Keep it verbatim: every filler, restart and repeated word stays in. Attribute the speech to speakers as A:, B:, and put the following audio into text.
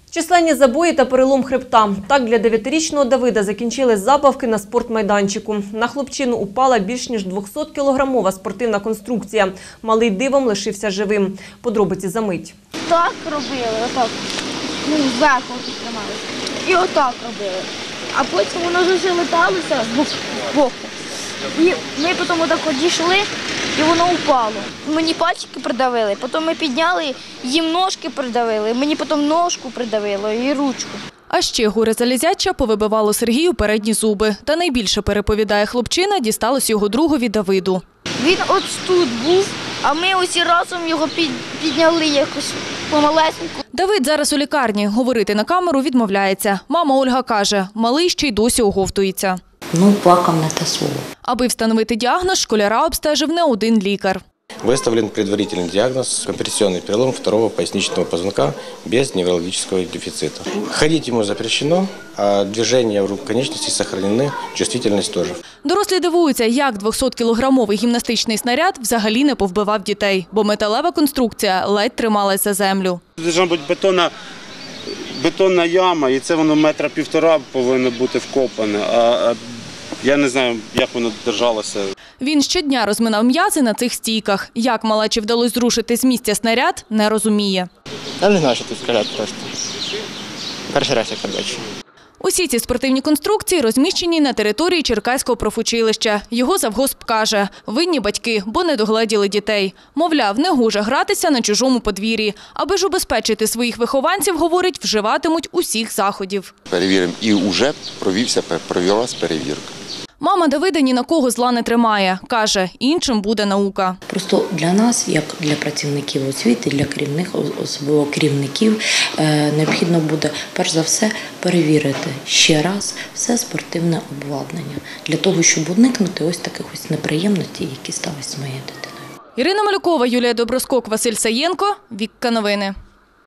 A: Численні забої та перелом хребта. Так для дев'ятирічного Давида закінчились забавки на спортмайданчику. На хлопчину упала більш ніж двохсоткілограмова спортивна конструкція. Малий дивом лишився живим. Подробиці за мить.
B: Так робили, отак. Ну, зверху трималися. І отак робили. А потім воно вже леталося з боку. І ми потім отак дійшли, і воно упало. Мені пальчики придавили, потім ми підняли, їм ножки придавили, мені потім ножку придавило і ручку.
C: А ще горе залізяча повибивало Сергію передні зуби. Та найбільше, переповідає хлопчина, дісталось його другові Давиду.
B: Він ось тут був, а ми усі разом його підняли якось помалесеньку.
C: Давид зараз у лікарні. Говорити на камеру відмовляється. Мама Ольга каже, малий ще й досі оговтується.
D: Ну, плакав не те слово.
C: Аби встановити діагноз, школяра обстежив не один лікар.
E: Выставлен предварительный диагноз – компрессионный перелом второго поясничного позвонка без неврологического дефицита. Ходить ему запрещено, а движения рук конечностей сохранены, чувствительность тоже.
C: Дорослі дивуються, як двохсоткілограмовий гімнастичний снаряд взагалі не повбивав дітей, бо металева конструкція ледь трималась за землю.
F: Должна бути бетонна, бетонна яма, і це воно метра півтора повинно бути вкопане. А я не знаю, як воно держалося.
C: Він щодня розминав м'язи на цих стійках. Як малечі вдалося зрушити з місця снаряд, не розуміє.
G: Я не знаю, що тут сказати просто. Перший раз я бачу.
C: Усі ці спортивні конструкції розміщені на території Черкаського профучилища. Його завгосп каже, винні батьки, бо не догледіли дітей. Мовляв, не гоже гратися на чужому подвір'ї. Аби ж убезпечити своїх вихованців, говорить, вживатимуть усіх заходів.
H: Перевіримо. І вже провівся, провелась перевірка.
C: Мама Давида ні на кого зла не тримає. Каже, іншим буде наука.
D: Просто для нас, як для працівників освіти, для керівних, особливо керівників, необхідно буде, перш за все, перевірити ще раз все спортивне обладнання. Для того, щоб уникнути ось таких ось неприємностей, які сталися з моєю дитиною.
C: Ірина Малюкова, Юлія Доброскок, Василь Саєнко. Вікка новини.